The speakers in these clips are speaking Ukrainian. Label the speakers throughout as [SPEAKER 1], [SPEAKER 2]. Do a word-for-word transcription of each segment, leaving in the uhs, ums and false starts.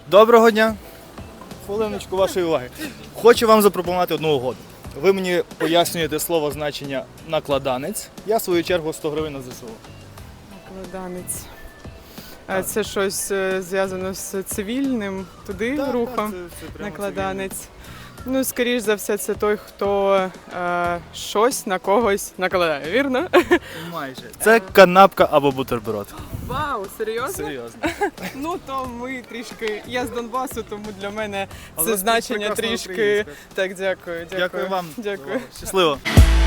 [SPEAKER 1] Доброго дня. Хвилиночку вашої уваги. Хочу вам запропонувати одну угоду. Ви мені пояснюєте слово значення накладанець. Я в свою чергу сто гривень на ЗСУ.
[SPEAKER 2] Накладанець. А це щось е, зв'язано з цивільним, туди
[SPEAKER 1] Так,
[SPEAKER 2] рухом?
[SPEAKER 1] так, це- це прямо
[SPEAKER 2] Накладанець. Ну, скоріш за все, це той, хто е, щось на когось накладає, вірно?
[SPEAKER 1] цивільний. Майже. Це канапка або бутерброд.
[SPEAKER 2] Вау, серйозно?
[SPEAKER 1] Серйозно.
[SPEAKER 2] Ну, то ми трішки. Я з Донбасу, тому для мене
[SPEAKER 1] Але
[SPEAKER 2] це
[SPEAKER 1] це
[SPEAKER 2] значення
[SPEAKER 1] прекрасна
[SPEAKER 2] трішки.
[SPEAKER 1] українська.
[SPEAKER 2] Так, дякую. Дякую,
[SPEAKER 1] Дякую вам.
[SPEAKER 2] Дякую.
[SPEAKER 1] Щасливо.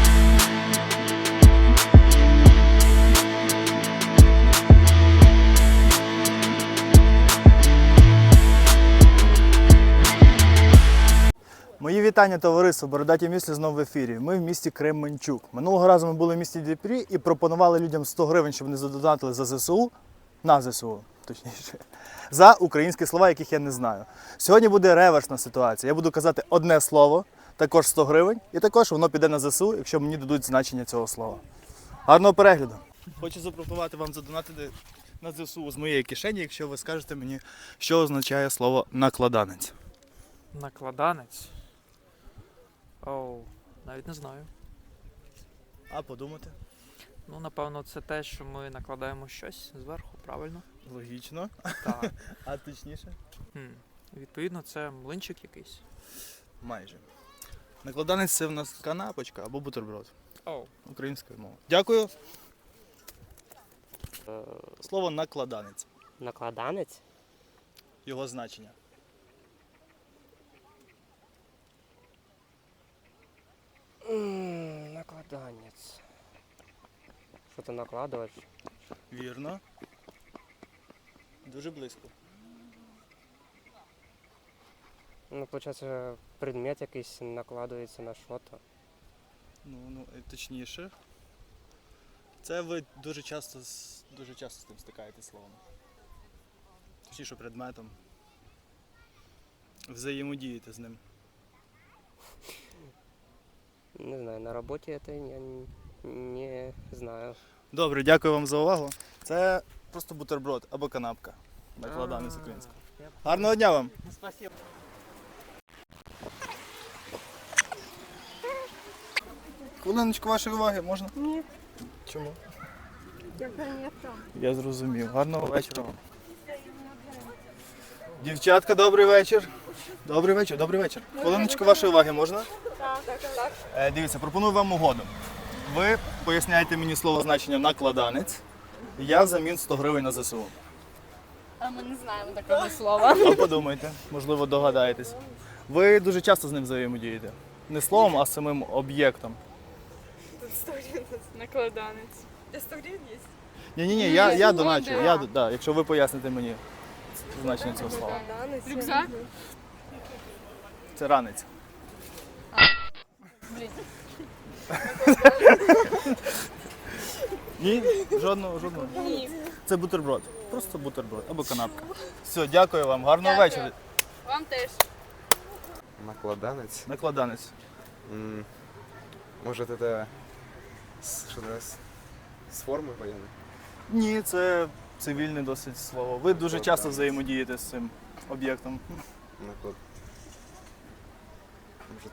[SPEAKER 1] Мої вітання, товариство, Бородаті місли знову в ефірі. Ми в місті Кременчук. Минулого разу ми були в місті Дніпрі і пропонували людям сто гривень, щоб вони задонатили за ЗСУ, на ЗСУ, точніше, за українські слова, яких я не знаю. Сьогодні буде реверсна ситуація. Я буду казати одне слово, також сто гривень, і також воно піде на ЗСУ, якщо мені дадуть значення цього слова. Гарного перегляду! Хочу запропонувати вам задонатити на ЗСУ з моєї кишені, якщо ви скажете мені, що означає слово накладанець.
[SPEAKER 3] Накладанець? Оу, навіть не знаю.
[SPEAKER 1] А подумати?
[SPEAKER 3] Ну, напевно, це те, що ми накладаємо щось зверху, правильно?
[SPEAKER 1] Логічно.
[SPEAKER 3] Так.
[SPEAKER 1] А точніше?
[SPEAKER 3] Хм. Відповідно, це млинчик якийсь.
[SPEAKER 1] Майже. Накладанець це в нас канапочка або бутерброд.
[SPEAKER 3] Оу.
[SPEAKER 1] Українською мовою. Дякую.
[SPEAKER 4] Е,
[SPEAKER 1] Слово накладанець.
[SPEAKER 4] Накладанець?
[SPEAKER 1] Його значення.
[SPEAKER 4] М, Накладанець. Що ти накладуєш?
[SPEAKER 1] Вірно. Дуже близько.
[SPEAKER 4] Ну, виходить, предмет якийсь накладується на що-то.
[SPEAKER 1] Ну, ну, і точніше. Це ви дуже часто, з- дуже часто з тим стикаєтесь словом. Точніше предметом. Взаємодієте з ним.
[SPEAKER 4] Не знаю, на роботі це я н- не знаю.
[SPEAKER 1] Добре, дякую вам за увагу. Це просто бутерброд або канапка. Накладанець українською. Гарного дня вам!
[SPEAKER 4] Спасибо.
[SPEAKER 1] Хвилиночку вашої уваги, можна?
[SPEAKER 5] Ні.
[SPEAKER 1] Чому?
[SPEAKER 5] Я принесла.
[SPEAKER 1] Я зрозумів. Гарного вечора вам. Дівчатка, добрий вечір. Добрий вечір, добрий вечір. Хвилиночку вашої уваги можна?
[SPEAKER 5] Так, так, так.
[SPEAKER 1] Е, дивіться, пропоную вам угоду. Ви поясняєте мені слово значення накладанець, я взамін сто гривень на ЗСУ.
[SPEAKER 5] А ми не знаємо такого слова.
[SPEAKER 1] А подумайте, можливо, догадаєтесь. Ви дуже часто з ним взаємодієте. Не словом, а самим об'єктом.
[SPEAKER 5] Тут сто гривень накладанець. Я сто гривень є?
[SPEAKER 1] Ні-ні-ні, я, я
[SPEAKER 5] Ні,
[SPEAKER 1] доначу,
[SPEAKER 5] да.
[SPEAKER 1] я, да, якщо ви поясните мені значення цього слова.
[SPEAKER 5] Рюкзак?
[SPEAKER 1] Це ранець.
[SPEAKER 5] Блін.
[SPEAKER 1] Ні? Жодного, жодного.
[SPEAKER 5] Ні.
[SPEAKER 1] Це бутерброд. Просто бутерброд або канапка. Все, дякую вам, гарного
[SPEAKER 5] Дякую.
[SPEAKER 1] вечора.
[SPEAKER 5] Вам теж.
[SPEAKER 6] Накладанець.
[SPEAKER 1] Накладанець.
[SPEAKER 6] М, Может, это с, что-то с, с формы военной?
[SPEAKER 1] Ні, це цивільне досить слово. Ви дуже часто
[SPEAKER 6] Накладанець.
[SPEAKER 1] взаємодієте з цим об'єктом.
[SPEAKER 6] Наклад... Может,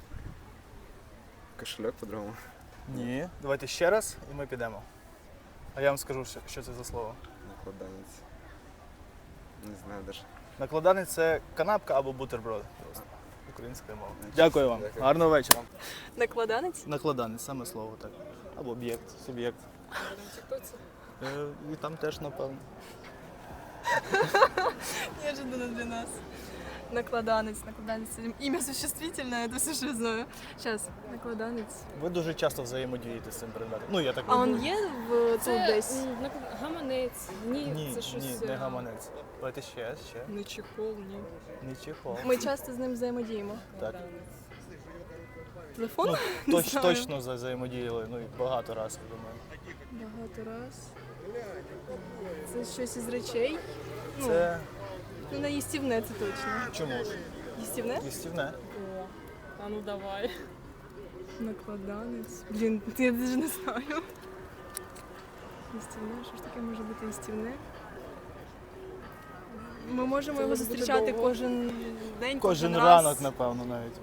[SPEAKER 6] кошелек по-другому?
[SPEAKER 1] Ні. Давайте ще раз і ми підемо. А я вам скажу, що- що це за слово.
[SPEAKER 6] Накладанец. Не знаю даже.
[SPEAKER 1] Накладанець це канапка або бутерброд. Просто українською мовою. Дякую вам.
[SPEAKER 6] Дякую.
[SPEAKER 1] Гарного вечора.
[SPEAKER 5] Накладанець?
[SPEAKER 1] Накладанець, саме слово так. Або об'єкт, суб'єкт. Е, І там теж, напевно.
[SPEAKER 5] Неожиданно для нас. Накладанець, накладанець. Ім'я существительне, це все, що я знаю. Зараз, накладанець.
[SPEAKER 1] Ви дуже часто взаємодієте з цим предметом. Ну, я так
[SPEAKER 5] А
[SPEAKER 1] думаю.
[SPEAKER 5] он є в тут
[SPEAKER 7] Це
[SPEAKER 5] десь?
[SPEAKER 7] м, наклад- гаманець. Ні,
[SPEAKER 1] Ні,
[SPEAKER 7] це щось.
[SPEAKER 1] ні, не
[SPEAKER 7] е,
[SPEAKER 1] гаманець. Давайте ще, ще.
[SPEAKER 5] Не чехол, ні.
[SPEAKER 1] Не чехол.
[SPEAKER 5] Ми часто з ним взаємодіємо.
[SPEAKER 1] Так.
[SPEAKER 5] Телефон?
[SPEAKER 1] Ну,
[SPEAKER 5] Не
[SPEAKER 1] точ,
[SPEAKER 5] знаю.
[SPEAKER 1] точно за- взаємодіяли, ну і багато разів, я думаю.
[SPEAKER 5] Багато раз. Це щось із речей? Ну,
[SPEAKER 1] Це
[SPEAKER 5] ну на їстівне це точно.
[SPEAKER 1] чому ж?
[SPEAKER 5] Їстівне?
[SPEAKER 1] Їстівне.
[SPEAKER 7] О, а ну давай.
[SPEAKER 5] Накладанець. Блін, я навіть не знаю. Їстівне, що ж таке може бути їстівне? Ми можемо
[SPEAKER 7] Це
[SPEAKER 5] його
[SPEAKER 7] може бути
[SPEAKER 5] зустрічати
[SPEAKER 7] довго.
[SPEAKER 5] кожен день,
[SPEAKER 1] Кожен
[SPEAKER 5] раз.
[SPEAKER 1] ранок, напевно, навіть.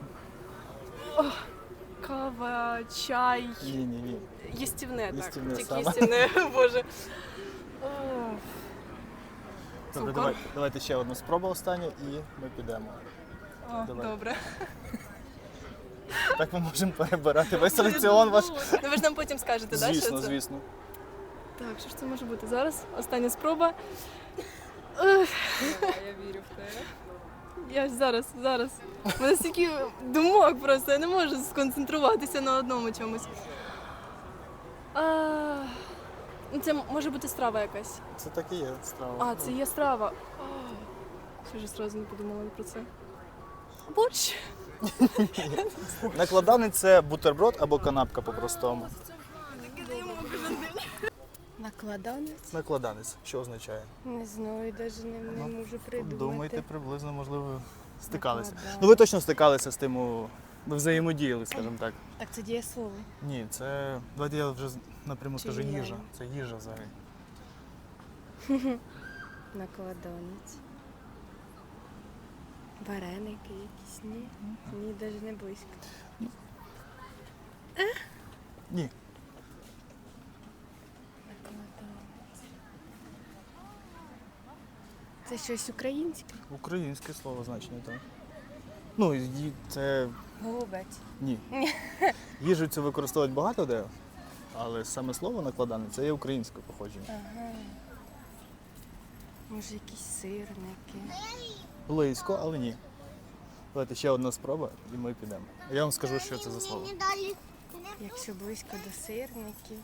[SPEAKER 5] Кава, чай.
[SPEAKER 1] Ні, ні, ні.
[SPEAKER 5] Їстівне, так.
[SPEAKER 1] Їстівне
[SPEAKER 5] Тільки
[SPEAKER 1] саме.
[SPEAKER 5] їстівне, боже. О,
[SPEAKER 1] Добре,
[SPEAKER 5] Цукор.
[SPEAKER 1] давай, давайте ще одну спробу останню і ми підемо.
[SPEAKER 5] О,
[SPEAKER 1] Давай.
[SPEAKER 5] добре.
[SPEAKER 1] Так ми можемо перебирати весь раціон ваш.
[SPEAKER 5] Ну ви ж нам потім скажете, так, що
[SPEAKER 1] Звісно,
[SPEAKER 5] це?
[SPEAKER 1] звісно.
[SPEAKER 5] Так, що ж це може бути? Зараз остання спроба.
[SPEAKER 7] Я вірю в те.
[SPEAKER 5] Я ж зараз, зараз. У мене стільки думок просто, я не можу сконцентруватися на одному чомусь. А, ну, це може бути страва якась.
[SPEAKER 1] Це так і є страва.
[SPEAKER 5] А, це є страва. А, що ж одразу не подумала про це. Борщ.
[SPEAKER 1] Накладанець – це бутерброд або канапка по-простому.
[SPEAKER 8] Накладанець?
[SPEAKER 1] Накладанець. Що означає?
[SPEAKER 8] Не знаю, навіть не, не
[SPEAKER 1] Ну,
[SPEAKER 8] можу придумати.
[SPEAKER 1] Думаєте, приблизно, можливо, стикалися.
[SPEAKER 8] Накладанець.
[SPEAKER 1] Ну ви точно стикалися з тим, у- ви взаємодіяли, скажімо так.
[SPEAKER 8] Так це дієслово.
[SPEAKER 1] Ні, це, давайте я вже напряму скажу,
[SPEAKER 8] Чи
[SPEAKER 1] їжа.
[SPEAKER 8] ні?
[SPEAKER 1] Це їжа взагалі.
[SPEAKER 8] Накладанець. Вареники якісь, ні? Ні, навіть не близько.
[SPEAKER 1] Ні.
[SPEAKER 8] Накладанець. Це щось українське?
[SPEAKER 1] Українське слово значення, так. Ну, і це
[SPEAKER 8] Голубець.
[SPEAKER 1] ні. Їжу цю використовують багато де, але саме слово накладане це є українське походження.
[SPEAKER 8] Ага. Може, якісь сирники.
[SPEAKER 1] Близько, але ні. Давайте ще одна спроба і ми підемо. Я вам скажу, що це за слово.
[SPEAKER 8] Якщо близько до сирників.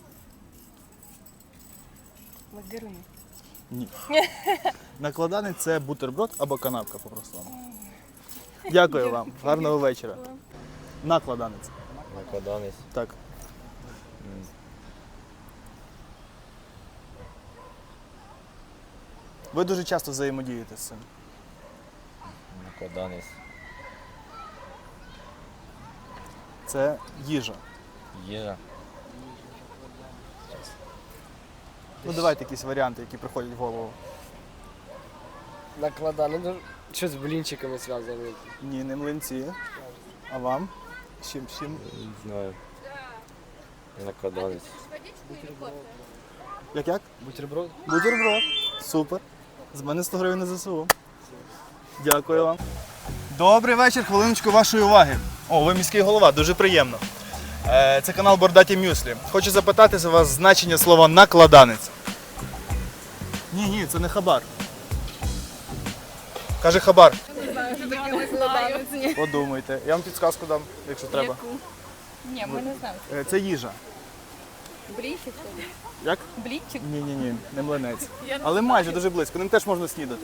[SPEAKER 8] Модерни.
[SPEAKER 1] Ні. Накладанець – це бутерброд або канапка по-простому. Дякую вам. Гарного вечора. Накладанець.
[SPEAKER 9] Накладанець.
[SPEAKER 1] Так. Ви дуже часто взаємодієте з цим.
[SPEAKER 9] Накладанець.
[SPEAKER 1] Це їжа.
[SPEAKER 9] Їжа.
[SPEAKER 1] Ну давайте якісь варіанти, які приходять в голову.
[SPEAKER 4] Накладане, ну, що з блінчиками зв'язано?
[SPEAKER 1] Ні, не млинці. А вам? З чим? з чим?
[SPEAKER 9] Не знаю. Накладанець.
[SPEAKER 1] Як як?
[SPEAKER 4] Бутерброд?
[SPEAKER 1] Бутерброд. Супер. З мене сто гривень на ЗСУ. Дякую вам. Добрий вечір, хвилиночку вашої уваги. О, ви міський голова, дуже приємно. Е, Це канал Бордаті Мюслі. Хочу запитати за вас значення слова накладанець. Ні, ні, це не хабар. Каже хабар. Подумайте. Я вам підсказку дам, якщо треба.
[SPEAKER 7] Ні, ми не знаємо.
[SPEAKER 1] Е, Це їжа.
[SPEAKER 7] Блінчик?
[SPEAKER 1] Як?
[SPEAKER 7] Блінчик?
[SPEAKER 1] Ні, ні, ні, не млинець. Але майже дуже близько. Ним теж можна снідати.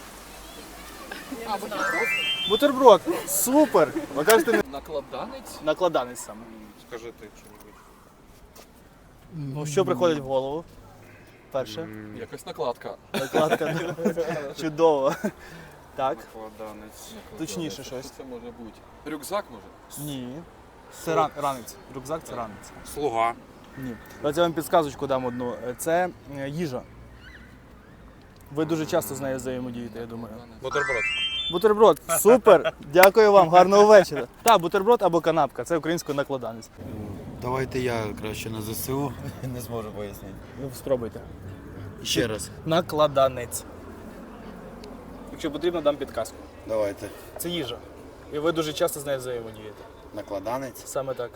[SPEAKER 7] А, бутерброд?
[SPEAKER 1] Бутерброд. Супер. Ви кажете, не
[SPEAKER 3] Накладанець?
[SPEAKER 1] накладанець саме.
[SPEAKER 3] Скажи ти що-небудь.
[SPEAKER 1] Ну, що приходить в голову? Перше.
[SPEAKER 3] Якась накладка.
[SPEAKER 1] Накладка. Чудово. Так.
[SPEAKER 3] Накладанець.
[SPEAKER 1] Точніше щось.
[SPEAKER 3] Що це може бути? Рюкзак може?
[SPEAKER 1] Ні. Це ран... ранець. Рюкзак це ранець.
[SPEAKER 3] Слуга.
[SPEAKER 1] Ні. Давайте я вам підсказочку дам одну. Це е, їжа. Ви дуже часто з нею взаємодієте, я думаю.
[SPEAKER 3] Бутерброд.
[SPEAKER 1] Бутерброд. Супер. Дякую вам. Гарного вечора. Так, бутерброд або канапка. Це українською накладанець.
[SPEAKER 10] Давайте я краще на ЗСУ не зможу пояснити.
[SPEAKER 1] Ви спробуйте.
[SPEAKER 10] Ще раз.
[SPEAKER 1] Накладанець. Якщо потрібно, дам підказку.
[SPEAKER 10] Давайте.
[SPEAKER 1] Це їжа. І ви дуже часто з нею взаємодієте.
[SPEAKER 10] Накладанець.
[SPEAKER 1] Саме так.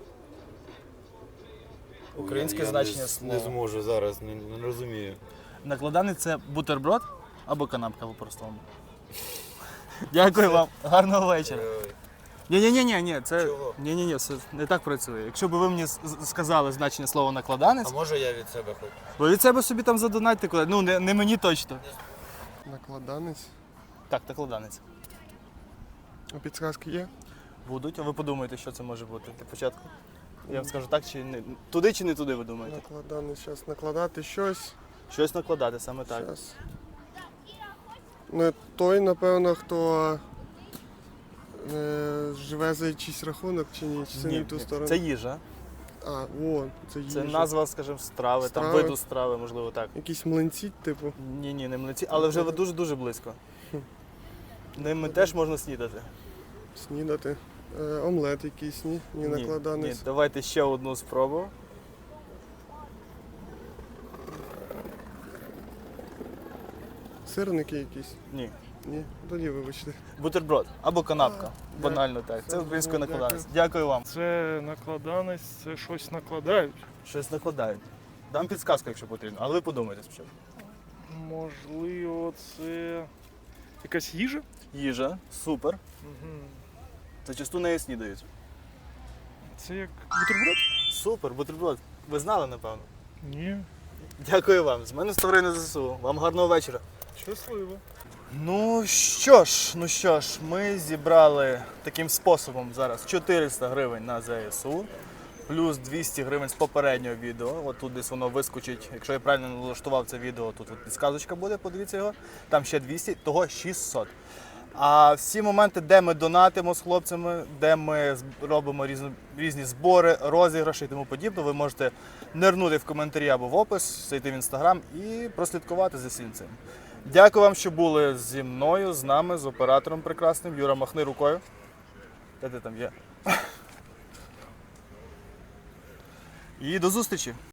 [SPEAKER 1] Українське
[SPEAKER 10] Я- я
[SPEAKER 1] значення
[SPEAKER 10] не,
[SPEAKER 1] слова.
[SPEAKER 10] не зможу зараз, не, не розумію.
[SPEAKER 1] Накладанець це бутерброд або канапка по-простому. Дякую вам. Гарного вечора. Ні, ні, ні, ні, ні, це
[SPEAKER 10] Чого?
[SPEAKER 1] ні, ні, ні, все не так працює. Якщо б ви мені с- з- сказали значення слова накладанець,
[SPEAKER 10] А може я від себе хоч?
[SPEAKER 1] ви від себе собі там задонайте куди. Ну не, не мені точно.
[SPEAKER 6] Накладанець.
[SPEAKER 1] Так, накладанець.
[SPEAKER 6] А підсказки є?
[SPEAKER 1] Будуть, а ви подумаєте, що це може бути для початку. Я вам скажу так чи не туди чи не туди, ви думаєте?
[SPEAKER 6] Накладанець. Зараз накладати щось.
[SPEAKER 1] Щось накладати, саме так.
[SPEAKER 6] Щас. Ну, той, напевно, хто е, живе за чийсь рахунок чи ні, чи це не в ту сторону.
[SPEAKER 1] Це їжа.
[SPEAKER 11] А, о, це їжа.
[SPEAKER 1] Це назва, скажімо, страви, там
[SPEAKER 11] Страви.
[SPEAKER 1] виду страви, можливо, так.
[SPEAKER 11] Якісь млинці, типу.
[SPEAKER 1] Ні, ні, не млинці, але вже дуже-дуже близько. Ними теж можна снідати.
[SPEAKER 11] Снідати. Е, омлет якийсь, ні? Ні,
[SPEAKER 1] Ні,
[SPEAKER 11] накладанець.
[SPEAKER 1] давайте ще одну спробу.
[SPEAKER 11] Сирники якісь.
[SPEAKER 1] Ні.
[SPEAKER 11] Ні, тоді вибачте.
[SPEAKER 1] Бутерброд або канапка.
[SPEAKER 11] А,
[SPEAKER 1] Банально так. Це
[SPEAKER 11] Все,
[SPEAKER 1] українською
[SPEAKER 11] дякую.
[SPEAKER 1] накладанець. Дякую вам.
[SPEAKER 12] Це накладанець, це щось накладають.
[SPEAKER 1] Щось накладають. Дам підсказку, якщо потрібно, але ви подумайте спочатку.
[SPEAKER 12] Можливо, це якась їжа?
[SPEAKER 1] Їжа, супер.
[SPEAKER 12] Угу.
[SPEAKER 1] Зачасту нею снідають.
[SPEAKER 12] Це як бутерброд?
[SPEAKER 1] Супер, бутерброд. Ви знали, напевно?
[SPEAKER 12] Ні.
[SPEAKER 1] Дякую вам. З мене Ставрина ЗСУ. Вам гарного вечора.
[SPEAKER 12] Щасливо.
[SPEAKER 1] Ну що ж, ну що ж, ми зібрали таким способом зараз чотириста гривень на ЗСУ, плюс двісті гривень з попереднього відео. От тут десь воно вискочить. Якщо я правильно налаштував це відео, тут от підсказочка буде, подивіться його. Там ще двісті, того шістсот. А всі моменти, де ми донатимо з хлопцями, де ми з- робимо різні, різні збори, розіграші і тому подібне, ви можете нирнути в коментарі або в опис, зайти в інстаграм і прослідкувати за всім цим. Дякую вам, що були зі мною, з нами, з оператором прекрасним. Юра, махни рукою. Де ти там є? І до зустрічі!